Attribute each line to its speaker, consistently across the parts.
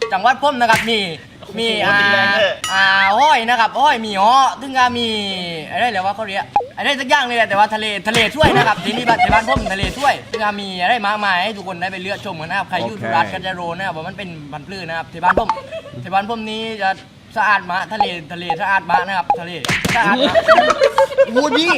Speaker 1: จังหวัดผมนะครับมีห้อยนะครับห้อยมีฮ้อถึงก็มีอะไรเรียกว่าเขาเรียกอะไรสักอย่างเลยแต่ว่าทะเลช่วยนะครับที่นี่บ้านผมทะเลช่วยถึงก็มีอะไรมากมายให้ทุกคนได้ไปเลือกชมกันนะครับใครอยู่สุราษฎร์ก็จะรู้นะครับว่ามันเป็นพันธุ์พืชนะครับที่บ้านผมนี้จะสะอาดมากทะเลสะอาดมากนะครับทะเลสะอาดมากวูดี้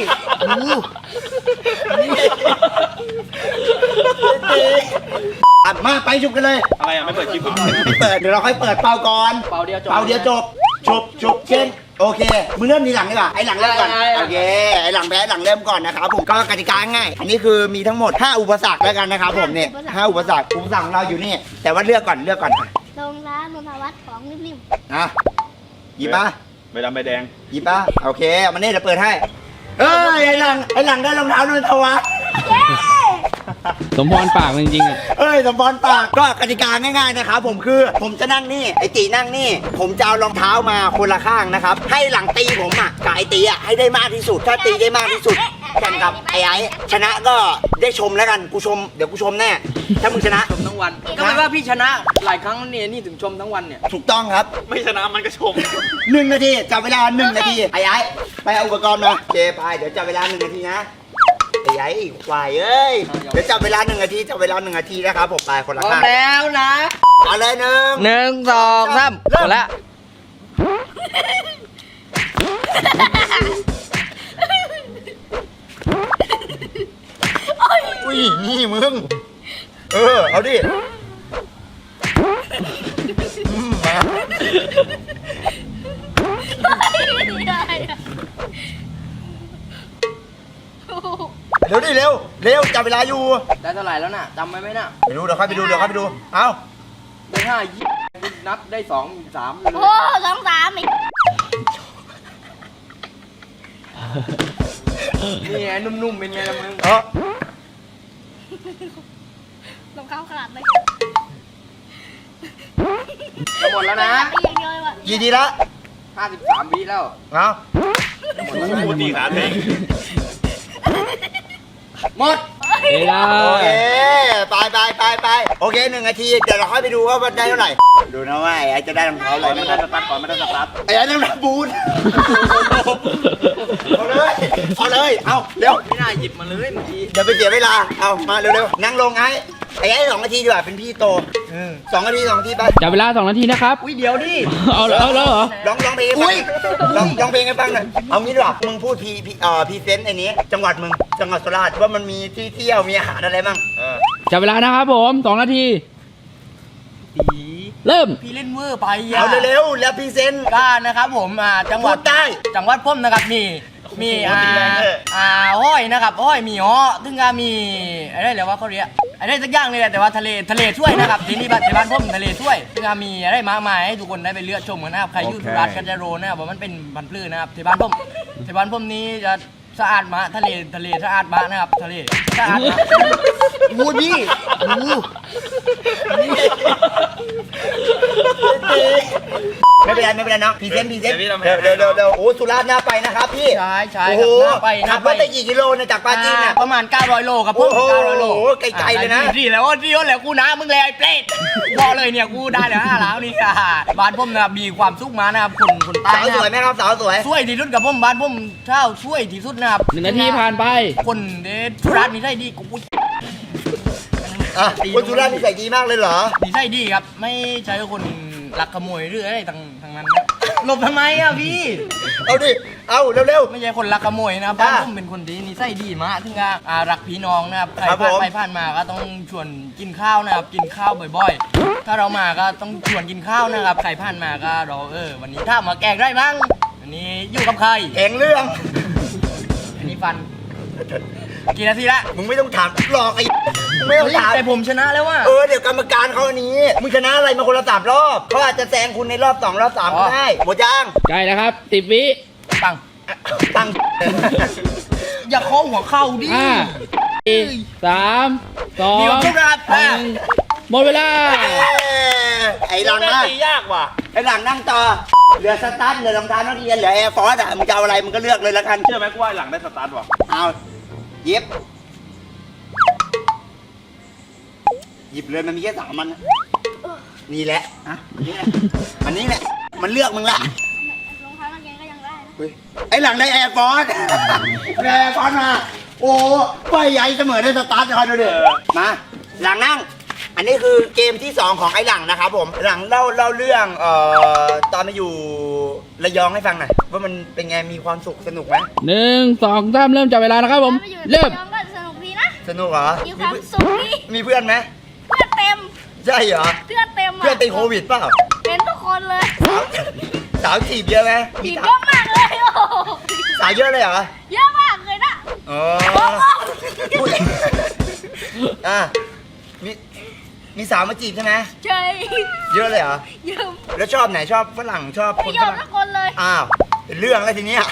Speaker 2: มาไปฉุบกันเลย
Speaker 3: อะไรอ่ะไม่เปิดคลิป
Speaker 2: ไม่เปิดเดี๋ยวเราค่อยเปิดเป่าก่อน
Speaker 1: เป่าเดียวจบ
Speaker 2: ฉุบเช่นโอเคมึงเริ่มทีหลังดีกว่าไอ้หลังเริ่มก่อนโอเคไอ้หลังแพ้หลังเริ่มก่อนนะครับผมก็กติกาง่ายอันนี้คือมีทั้งหมด5อุปสรรคแล้วกันนะครับผมเนี่ย5อุปสรรคของเราอยู่นี่แต่ว่าเลือกก่อนโ
Speaker 4: รงร้านนนทวัฒน์ของริม
Speaker 2: อ่ะหยิบมา
Speaker 3: ใบดำใบแดง
Speaker 2: หยิบมาโอเคมันนี่เดี๋ยวเปิดให้ไอ้หลังได้รองเท้านนทวัฒน์
Speaker 5: สมพรปากจริงๆอ่ะ
Speaker 2: สมพรปากก็กติกาง่ายๆนะครับผมคือผมจะนั่งนี่ไอ้ตีนั่งนี่ผมจะเอารองเท้ามาคนละข้างนะครับให้หลังตีผมอ่ะกับไอ้ตีอ่ะให้ได้มากที่สุดถ้าตีได้มากที่สุดแข่งกับไอ้ชนะก็ได้ชมแล้วกันเดี๋ยวกูชมแน่ถ้ามึงชนะ
Speaker 1: ชมทั้งวันก็ไม่ว่าพี่ชนะหลายครั้งนี่ถึงชมทั้งวันเนี่ย
Speaker 2: ถูกต้องครับ
Speaker 3: ไม่ชนะมันก็ชม
Speaker 2: 1 นาทีจับเวลา1 นาทีไอ้ไปเอาอุปกรณ์มาเจไปเดี๋ยวจับเวลา1 นาทีนะไอ้ควายเอ้ยเดี๋ยวจับเวลา1 นาทีนะครับผมไปคนละข้าง
Speaker 1: แล้วนะ
Speaker 2: เอาเลย
Speaker 1: 1 2 3หมดแล้ว
Speaker 2: อุ้ยนี่มึงเอาดิมาเร็วจับเวลาอยู่
Speaker 1: ได้เท่าไหร่แล้วน่ะจำไว้ไหมน่ะ
Speaker 2: ไปดูเดี๋ยวค่อยไปดูเอา
Speaker 1: ได้5นับได้2 3
Speaker 4: โอ้2 3
Speaker 1: นี่ไงนุ่มๆเป็นไงล่ะมึง
Speaker 4: ลงเข้าขนาดเลย
Speaker 1: จะหมดแล้วนะ
Speaker 2: กี่ทีละ
Speaker 1: 53 วิแล้ว
Speaker 2: เอา
Speaker 3: พูดตีขาเอง
Speaker 1: หมด
Speaker 2: โอเคไปโอเค1 นาทีเดี๋ยวเราค่อยไปดูว่าได้เท่าไหร่ดูนะว่าไอ้จะได้รองเท้าอะไร
Speaker 3: ไม่ได้สตาร์ทก่อนไม่ได้สตาร์ท
Speaker 2: ไอ้ต้องรับบูทเอาเลยเอาเร็ว
Speaker 1: ไม่น่าหยิบมาเลยเมื่อกี้
Speaker 2: เดี๋ยวไปเสียเวลาเอามาเร็วๆนั่งลงไอ้2 นาทีดีกว่าเป็นพี่โต2 นาทีไป
Speaker 5: จับเวลา2 นาทีนะครับ
Speaker 1: เดี๋ยวดิ
Speaker 5: เอาแล้วเหรอ
Speaker 2: ร้องเพลงร้องเพลงให้ฟังหน่อยเอางี้ดีกว่ามึงพูดพรีเซนต์ไอ้นี้จังหวัดสุราษฎร์ว่ามันมีที่เที่ยวมีอาหารอะไรบ้าง
Speaker 5: จับเวลานะครับผม2 นาทีเริ่ม
Speaker 1: พี่เล่นเวอร์ไป
Speaker 2: เอาเร็วแล้วพรีเซนต์
Speaker 1: ก้านะครับผมจังหวัด
Speaker 2: ใต้
Speaker 1: จังหวัดผมนะครับมีห้อยนะครับห้อยมีฮ้อถึงก็มีอะไรเรียกว่าเขาเรียกอะไรสักอย่างเลยแต่ว่าทะเลช่วยนะครับที่นี่บ้านผมทะเลช่วยถึงก็มีอะไรมากมายให้ทุกคนได้ไปเลือกชมกันนะครับใครอยู่สุราษฎร์ก็จะรู้นะครับว่ามันเป็นพันธุ์พืชนะครับที่บ้านผมนี้จะสะอาดมากทะเลสะอาดมากนะครับทะเลสะอาดมาก
Speaker 2: วูดี้ไม่เป็นไรเนาะพรีเซนต์เร็วโอ้สุราษฎร์น่าไปนะครับพี่
Speaker 1: ใช่
Speaker 2: โอ้โหขับรถไปกี่กิโลเนี่ยจากปาจีนเนี่ย
Speaker 1: ประมาณ900 โลครับผม900 โล
Speaker 2: ไกลๆเลยนะ
Speaker 1: ดีแล้วกูนะมึงเลยไอ้เปรตบอกเลยเนี่ยกูได้แล้ว5 ล้านนี่ค่ะบ้านผมนะมีความสุขมานะครับคนใต้
Speaker 2: สาวสวยไหมครับสาวสวย
Speaker 1: ช่วยที่สุดกับผมบ้านผมเช่าช่วยที่สุดนะครับ
Speaker 5: 1 นาทีผ่านไป
Speaker 1: คนสุราษฎร์นี่ใช่ดีกู
Speaker 2: คนสุราษฎร์นิสัยดีมากเลยเหรอ
Speaker 1: นิสัยดีครับไม่ใช่คนลักขโมยหรืออะไรทางนั้นนะหลบทำไมอ่ะพี่
Speaker 2: เอาดิเอาเร็ว
Speaker 1: ไม่ใช่คนลักขโมยนะบ้านผมเป็นคนดีนิสัยดีมากถึงกับรักพี่น้องนะครับใครผ่านมาก็ต้องชวนกินข้าวนะครับกินข้าวบ่อยๆถ้าเรามาก็ต้องชวนกินข้าวนะครับใครผ่านมาก็เราวันนี้ถ้ามาแกงได้มั้งวันนี้อยู่กับใคร
Speaker 2: เองเรื่อง
Speaker 1: อันนี้ฟันกี่นาทีละ
Speaker 2: มึงไม่ต้องถามหลอกไอ้ไม่ต้องถาม
Speaker 1: แต่ผมชนะแล้วว่ะ
Speaker 2: เดี๋ยวกรรมการเขาอันนี้มึงชนะอะไรมาคนละ3 รอบเขาอาจจะแซงคุณในรอบ2 รอบ 3ก็ได้หมดยัง
Speaker 5: ใกล้แล้วครับ10 วิ
Speaker 1: ตั้งอย่าโค้งหัวเข่าดิ
Speaker 5: 3 2
Speaker 1: มีความสุขนะครับ
Speaker 5: หมดเวลา
Speaker 2: ไอ้หลังนั่ง
Speaker 3: ยากว่ะ
Speaker 2: ไอ้หลังนั่งต่อเหลือสตาร์ทเหลือรองเท้านักเรียนเหลือแอร์ฟอร์สมึงจะเอาอะไรมึงก็เลือกเลยละกัน
Speaker 3: เชื่อไหมกูว่าหลังได้สตาร์ทว่ะ
Speaker 2: เอาหยิบเลยมันมีแค่3 มันนี่แหละอ่ะอันนี้แหละ มันเลือกมึงละ
Speaker 4: รองเท้ากางเกงก็ยังได้นะ
Speaker 2: เฮ้ยไอ้หลังได้แอร์ฟอร์สแอร์ฟอร์สมา โอ้ไฟใหญ่เสมอได้สตาร์ทคอยดูดิมา หลังนั่ง อันนี้คือเกมที่ 2 ของไอ้หลังนะครับผม หลังเล่าเรื่องตอนมาอยู่ระยองให้ฟังหน่อยว่ามันเป็นไงมีความสุขสนุกไหม
Speaker 5: 1 2 3เริ่มจับเวลานะครับผม
Speaker 4: ไปอยู่
Speaker 5: เริ่ม
Speaker 4: ระยองก็สนุกดีนะ
Speaker 2: สนุกเหรอ
Speaker 4: มีความสุขดี
Speaker 2: มีเพื่อนไหม
Speaker 4: เพื่อนเต็ม
Speaker 2: ใช่เหรอ
Speaker 4: เพื่อนเต็มอ่ะ
Speaker 2: เพื่อนติดโควิดเปล่า
Speaker 4: เป็นทุกคนเลย
Speaker 2: สาวจีบเยอะไหม
Speaker 4: ผีเยอะมากเลยโอ้โห
Speaker 2: สาวเยอะเลยเหรอ
Speaker 4: เยอะมากเลยนะ
Speaker 2: อ๋ออุ๊ยอ่ะมีสาวมาจีบใช่ไหม
Speaker 4: เฉย
Speaker 2: เยอะเลยเหรอ
Speaker 4: เยอะ
Speaker 2: แล้วชอบไหนชอบฝรั่งชอบ
Speaker 4: ไม่
Speaker 2: คน
Speaker 4: ย
Speaker 2: ฝ
Speaker 4: อม
Speaker 2: รั่ง
Speaker 4: ทุกคนเลย
Speaker 2: อ้าวเป็นเรื่องแล้วทีเนี้ย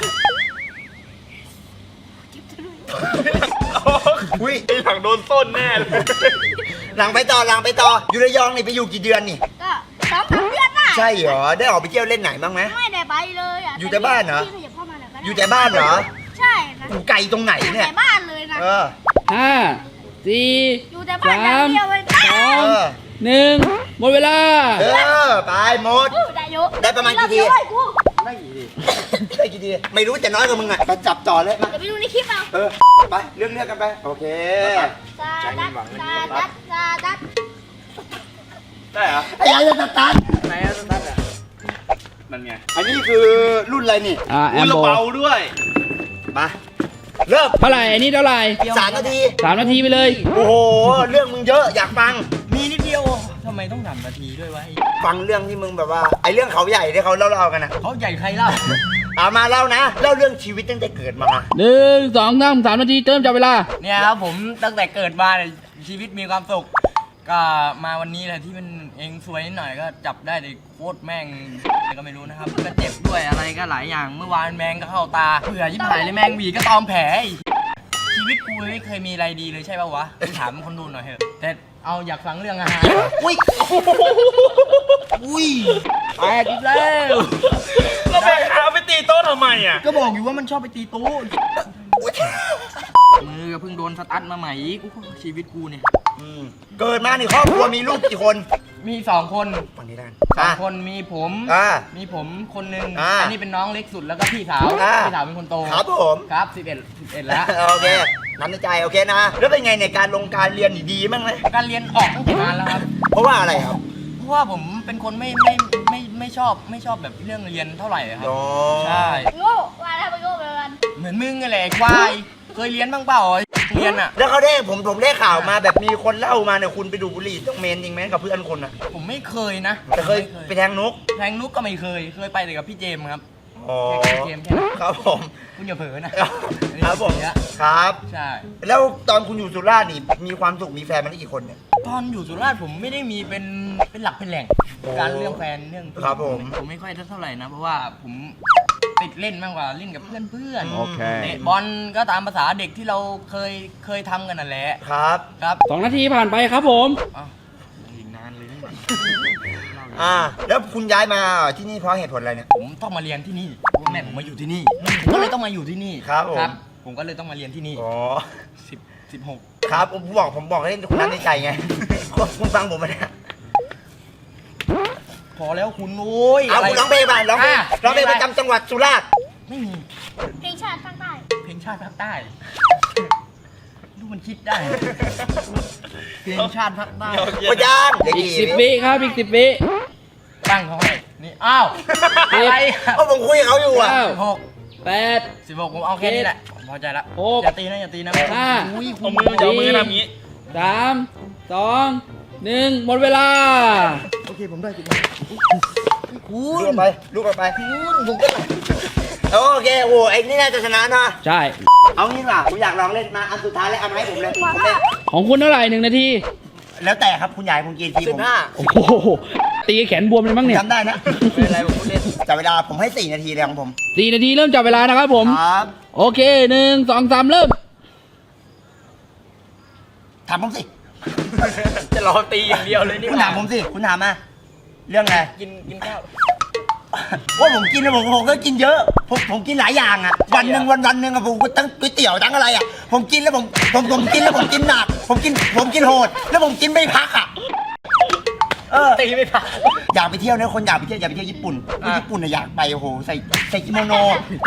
Speaker 2: อุ้ย
Speaker 3: ไอ้หลังโดนต้นแน่เลย
Speaker 2: หลังไปต่ออยู่ระยองนี่ไปอยู่กี่เดือนนี่
Speaker 4: ก็2-3 เดือนได้
Speaker 2: ใช่เหรอได้ออกไปเที่ยวเล่นไหนบ้างไหม
Speaker 4: ไม่ได้ไปเลยอ่ะ
Speaker 2: อยู่แต่บ้านเหรอ
Speaker 4: พี่ขยับเข้ามาหน่อยก็ได้
Speaker 2: อยู่แต่บ้านเหรอ
Speaker 4: ใช่นะ
Speaker 2: อยู่ไกลตรงไหน
Speaker 4: อยู่
Speaker 2: เนี่ย
Speaker 4: แต่บ้านเลยนะ
Speaker 2: เออ
Speaker 5: 5 4
Speaker 4: อยู่แต่บ้านอย่างเดียวเลย
Speaker 2: เออ
Speaker 5: 1หมดเวลา
Speaker 2: เออไปหมด
Speaker 4: ได้เยอะ
Speaker 2: ได้ประมาณกี่ที
Speaker 4: เดี๋ยวเลยกู
Speaker 2: ได้กี่ทีไม่รู้แต่น้อยกว่ามึงอ่ะมาจับจ่อเลยมา
Speaker 4: เดี๋ยวไปดูในคลิปเอา
Speaker 2: เออไปเรื่องกันไปโอเค
Speaker 4: ซาดัดซาดัดซาดัด
Speaker 3: ได้เหรอ
Speaker 2: ไอ้ยัยจะสตาร์ท
Speaker 1: ไหนอะสตาร์ทอะ
Speaker 3: นั่นไง
Speaker 2: อันนี้คือรุ่นอะไรนี่
Speaker 5: แอ
Speaker 3: อุ้ย
Speaker 5: ม
Speaker 3: ระ
Speaker 5: โบ
Speaker 3: เบาด้วย
Speaker 2: มาเริ่ม
Speaker 5: เท่าไหร่อันนี้เท่าไหร่
Speaker 2: 3 นาที
Speaker 5: 3 นาทีไปเลย
Speaker 2: โอ้โหเรื่องมึงเยอะอยากฟัง
Speaker 1: มีนิดเดียวทำไมต้อง3 นาทีด้วยวะ
Speaker 2: ฟังเรื่องที่มึงแบบว่าไอ้เรื่องเขาใหญ่ที่เขาเล่าๆกันนะ
Speaker 1: เขาใหญ่ใครเล่า
Speaker 2: เอามาเล่านะเล่าเรื่องชีวิตตั้งแต่เกิดมา
Speaker 5: 1 2 3 3 นาทีเริ่มจับเวลา
Speaker 1: เนี่ยครับผมตั้งแต่เกิดมาเนี่ยชีวิตมีความสุขก็มาวันนี้แหละที่มันเองสวยนิดหน่อยก็จับได้เลยโคตรแม่งก็ไม่รู้นะครับก็เจ็บด้วยอะไรก็หลายอย่างเมื่อวานแมงก็เข้าตาเผื่อยิบหายเลยแมงหวีก็ตอมแผลอีกชีวิตกูไม่เคยมีอะไรดีเลยใช่ป่าววะกูถามคนดูหน่อยเถอะแต่เอาอยากฟังเรื่องอาหาร
Speaker 2: อุ้ย
Speaker 1: อุ้ยแตกอีกแล้ว
Speaker 3: เราไปหาไปตีโต๊ะทำไมอ่ะ
Speaker 1: ก็บอกอยู่ว่ามันชอบไปตีตู้มือก็เพิ่งโดนสตั๊ดมาใหม่อีกกูชีวิตกูเนี่ย
Speaker 2: เกิดมานี่ครอบครัวมีลูกกี่คน
Speaker 1: มี2 คน
Speaker 2: ฝั่งนี้ได้
Speaker 1: 2 คนมีผม มีผมคนหนึง
Speaker 2: อ่า
Speaker 1: อันนี้เป็นน้องเล็กสุดแล้วก็พี่สาว
Speaker 2: อ่า
Speaker 1: พี่สาวเป็นคนโต
Speaker 2: ครับผม
Speaker 1: ครับ11แล้ว
Speaker 2: โอเคน้ำในใจโอเคนะแล้วเป็นไงในการลงการเรียนนี่ดีมั้งไหม
Speaker 1: การเรียนออกตั้งแต่นานแล้วครับ
Speaker 2: เพราะว่าอะไรครับ
Speaker 1: เพราะว่าผมเป็นคนไม่ชอบแบบเรื่องเรียนเท่าไหร่ครับ
Speaker 2: อ๋อ
Speaker 1: ใช่
Speaker 4: โง่ว่าทำไมโง่ไปกัน
Speaker 1: เหมือนมึงไงแหละไอ้ควายเคยเรียนบ้างเปล่าเรียนอ่ะ
Speaker 2: แล้วเขาได้ผมได้ข่าวมาแบบมีคนเล่ามาเนี่ยคุณไปดูดบุหรี่ต้องเมนจริงไหมกับเพื่อนคนอ่ะ
Speaker 1: ผมไม่เคยนะ
Speaker 2: แต่เคยไปแทงนก
Speaker 1: แทงนุกก็ไม่เคยไปแต่กับพี่เจมส์ครับ
Speaker 2: อ๋อ
Speaker 1: แค่เกมแค่นั้น
Speaker 2: ครับผม
Speaker 1: คุณอย่าเผลอนะ
Speaker 2: ครับผม
Speaker 1: เสีย
Speaker 2: ครับ
Speaker 1: ใช่
Speaker 2: แล้วตอนคุณอยู่สุราษฎร์นี่มีความสุขมีแฟนมาได้กี่คนเนี่ย
Speaker 1: ตอนอยู่สุราษฎร์ผมไม่ได้มีเป็นหลักเป็นแหล่ง
Speaker 2: โอ้
Speaker 1: การเรื่องแฟนเรื่อง
Speaker 2: ครับผม
Speaker 1: ผมไม่ค่อยเท่าไหร่นะเพราะว่าผมติดเล่นมากกว่าเล่นกับเพื่อน
Speaker 2: โอเค
Speaker 1: เตะบอลก็ตามภาษาเด็กที่เราเคยทำกันนั่นแหละ
Speaker 2: ครับ
Speaker 1: ครับ
Speaker 5: 2 นาทีผ่านไปครับผม
Speaker 1: อ้าวอีกนานเลยนะ
Speaker 2: แล้วคุณย้ายมาที่นี่เพราะเหตุผลอะไรเนี่ย
Speaker 1: ผมต้องมาเรียนที่นี่เพราะว่าแม่ผมมาอยู่ที่นี่ผมก็เลยต้องมาอยู่ที่นี่
Speaker 2: ครับผม
Speaker 1: ผมก็เลยต้องมาเรียนที่นี่
Speaker 2: อ๋อ
Speaker 1: 16
Speaker 2: ครับผมบอกให้คุณนั้นในใจไง คุณฟังผมไหมเนี่ย
Speaker 1: พอแล้วคุณโอ้ย
Speaker 2: เอาคุณร้องเพลงมาร้องเพลง
Speaker 1: อ่ะ
Speaker 2: ร้องเพลงประจำจังหวัดสุราษฎร์
Speaker 1: ไม่มี
Speaker 4: เพลงชาติภาคใต้
Speaker 1: เพลงชาติภาคใต้ดูมันคิดได้ เพลงชาติภาคใต้
Speaker 2: พยางเด็ก
Speaker 5: อีก
Speaker 2: กี่
Speaker 5: 10 วิครับอีก 10 วิ
Speaker 1: ตั้งเขาให้นี่อ้าวอะไรอ่ะ
Speaker 2: เพราะผมคุยกับเขาอยู่อ่ะ
Speaker 5: 9 8
Speaker 1: 16ผมเอาแค่นี้แหละผมพอใจละ
Speaker 5: หก
Speaker 1: อย่าตีนะอย่าตีนะ
Speaker 5: ห้า
Speaker 1: อุ้ย
Speaker 3: เอามือจะเอามือทำอย่างนี้
Speaker 5: 3 2 1หมดเวลา
Speaker 1: โอเคผมได้จุด คุ
Speaker 2: ลูกไปลูกไปผมก็โอเคโอ้ไอ้นี่น่าจะชนะนะ
Speaker 5: ใช่
Speaker 2: เอางี้ดีกว่าผมอยากลองเล่นมาอันสุดท้ายแล้วเอามาให้ผมเลยผมเล่น
Speaker 5: ของคุณเท่าไหร่1 นาที
Speaker 2: แล้วแต่ครับคุณยายผมกินทีผม
Speaker 5: โอ้โห ตีแขนบวมเลยมั้งเนี่ย
Speaker 2: จำได้นะ
Speaker 1: เป็นอะไรผมเล่น
Speaker 2: จับเวลาผมให้4 นาทีเลยของผม
Speaker 5: 4 นาทีเริ่มจับเวลานะครับผม
Speaker 2: ครับ
Speaker 5: โอเค 1 2 3 เริ่ม
Speaker 2: ถามผมสิ
Speaker 1: จะรอตีอย่างเดียวเลยนี่
Speaker 2: คุณถามผมสิคุณถามมาเรื่องอะไร
Speaker 1: กินข้าว
Speaker 2: ว่าผมกินแล้วผมก็กินเยอะผมกินหลายอย่างอ่ะวันหนึ่งอะผมก็ทั้งก๋วยเตี๋ยวทั้งอะไรอ่ะผมกินแล้วผมกินแล้วผมกินหนักผมกินโหดแล้วผมกินไม่พักอ่ะ
Speaker 1: ตีไม่ผ่าน
Speaker 2: อยากไปเที่ยวนะคนอยากไปเที่ยวญี่ปุ่นคนญี่ปุ่นน่ะอยากไปโอ้โหใส่กิโมโน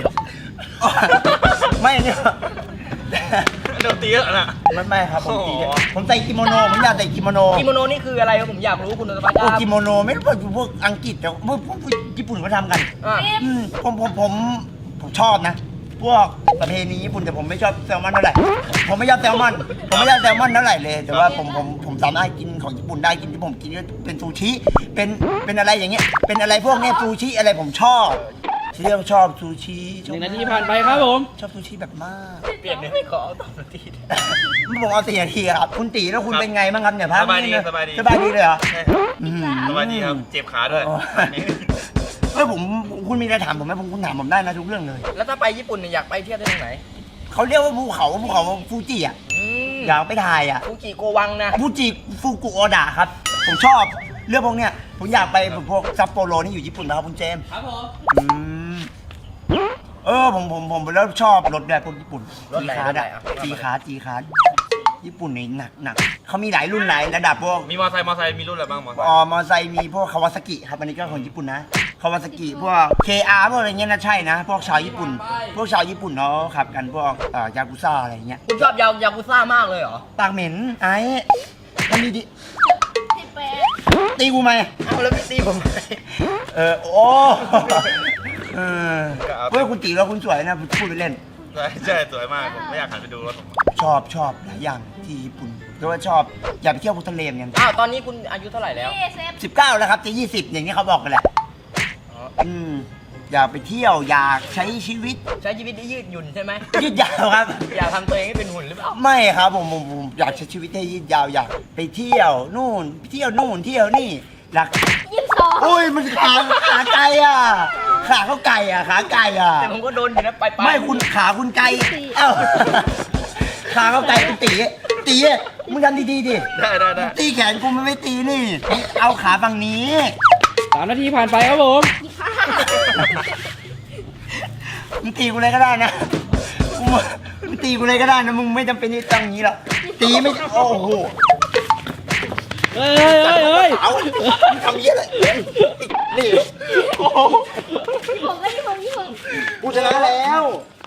Speaker 2: ไม่เนี่ย
Speaker 3: เดี๋ยวตีแล้วนะ
Speaker 2: ไม่ครับผมตี
Speaker 3: อ๋อ
Speaker 2: ผมใส่กิโมโนผมอยากใส่กิโมโน
Speaker 1: กิโมโนนี่คืออะไรครับผมอยากรู้คุณสวัสดิ์ค
Speaker 2: พวก
Speaker 1: รับ
Speaker 2: กิโมโนไม่รู้พวกอังกฤษแต่พวกญี่ปุ่นเขาทำกัน
Speaker 1: อ่ะ
Speaker 2: ผมชอบนะ พวกประเพณีญี่ปุ่นแต่ผมไม่ชอบแซลมอนเท่าไหร่ผมไม่ชอบแซลมอนเท่าไหร่เลย แต่ว่าผมสามารถกินของญี่ปุ่นได้กินที่ผมกินก็เป็นซูชิเป็นอะไรอย่างเงี้ยเป็นอะไรพวกเนี้ยซูชิอะไรผมชอบที่เรียกว่าชอบซูชิชอบ
Speaker 5: 1 นาทีผ่านไปครับผม
Speaker 2: ชอบซูชิแบบมาก
Speaker 1: เปลี่ยนไม่ขอเอาตอบนาที
Speaker 2: ผมเอา4 นาทีครับคุณตีแล้วคุณเป็นไงบ้างครับเนี่ยพัก
Speaker 3: สบายดี
Speaker 2: นี่นะ
Speaker 3: สบายดี
Speaker 2: สบายดีเลยเหรอ
Speaker 3: ใช่ครับ
Speaker 2: อืม
Speaker 3: สบายดีครับ เจ็บขาด้วย
Speaker 2: อ๋อ เฮ้ยคุณมีอะไรถามผมไหมคุณถามผมได้นะทุกเรื่องเลย
Speaker 1: แล้วถ้าไปญี่ปุ่นเนี่ยอยากไปเที่ยวได้ตรงไหน
Speaker 2: เขาเรียกว่าภูเขาฟูจิอ่ะ
Speaker 1: อืม
Speaker 2: อยากไปถ่ายอ่ะ
Speaker 1: ฟูจิโกวังนะ
Speaker 2: ฟูจิฟูกุโอดะครับ ผมชอบเรื่องพวกเนี้ยผมอยากไปพวกซัปโปโรนี่อยู่ญี่ปุ่นนะครับคุณเจมส์
Speaker 5: ครับผม
Speaker 2: อืมผมแล้วชอบรถแบบพวกญี่ปุ่น
Speaker 1: รถไหน
Speaker 2: จีคาร์ด
Speaker 1: รถไหน
Speaker 2: อะ
Speaker 1: อ่ะ
Speaker 2: จีคาร์ดญี่ปุ่นนี่หนักเขามีหลายรุ่นหลายระดับพวก
Speaker 3: มีมอไซค์มีรุ่นอะไรบ้างมอไซค์
Speaker 2: มอไซค์มีพวกคาวาซากิครับอันนี้ก็ของญี่ปุ่นนะคาวาซากิพวก KR พวกอะไรเงี้ยนะใช่นะ พวกชาวญี่ปุ่น พวกชาวญี่ปุ่นเขาขับกันพวกยากุซ่าอะไรเงี้ย
Speaker 1: คุณชอบยากุซ่ามากเลยเหรอ
Speaker 2: ปากเหม็นไอ้มันมีดิ
Speaker 4: 18
Speaker 2: ตีกูไหม
Speaker 1: เอาแล้วพี่ตีผมไหม
Speaker 2: โอ้เออเฮ้ยคุณตีแล้วคุณสวยนะพูดไปเล่น
Speaker 3: ใช่สวยมากผมไม่อยากหันไปดูรถผม
Speaker 2: ชอบหลายอย่างที่ญี่ปุ่นแต่ว่าชอบอยากไปเที่ยวพุทธเลมกัน
Speaker 1: อ้าวตอนนี้คุณอายุเท่าไหร่แล้ว
Speaker 2: 19แล้วครับจะ20อย่างนี้เขาบอกกันแหละอยากไปเที่ยวอยากใช้ชีวิต
Speaker 1: ใช้ชีวิตได้ยืดหยุ่นใช่ไหม
Speaker 2: ยืดยาวครับ
Speaker 1: อยากทำตัวเองให้เป็นหุ่นหรือเปล่า
Speaker 2: ไม่ครับผมอยากใช้ชีวิตให้ยืดยาวอยากไปเที่ยวนู่นเที่ยวนี่หลัก
Speaker 4: 22
Speaker 2: โอ้ยมันขาไก่อ่ะขาเขาไก่อ่ะขาไก่อ่ะ
Speaker 1: แต่ผมก็โดนอยู่นะไป
Speaker 2: ไม่คุณขาคุณไก่เอ้าขาเขาไก่คุณตีมึงทำดีๆดิ
Speaker 3: ได้
Speaker 2: ตีแขนกูมันไม่ตีนี่เอาขาฝั่งนี้
Speaker 5: 3 นาทีผ่านไปครับผม
Speaker 2: มึงตีกูเลยก็ได้นะมึงตีกูเลยก็ได้นะมึงไม่จำเป็นที่ต้องอย่างนี้หรอกตีไม่โอ้โห
Speaker 5: เฮ้ย
Speaker 2: เอามึงทำเยี่ยอะไรนี่โอ้โห
Speaker 4: ผมไม่ได้ผม
Speaker 2: กูชนะแล้ว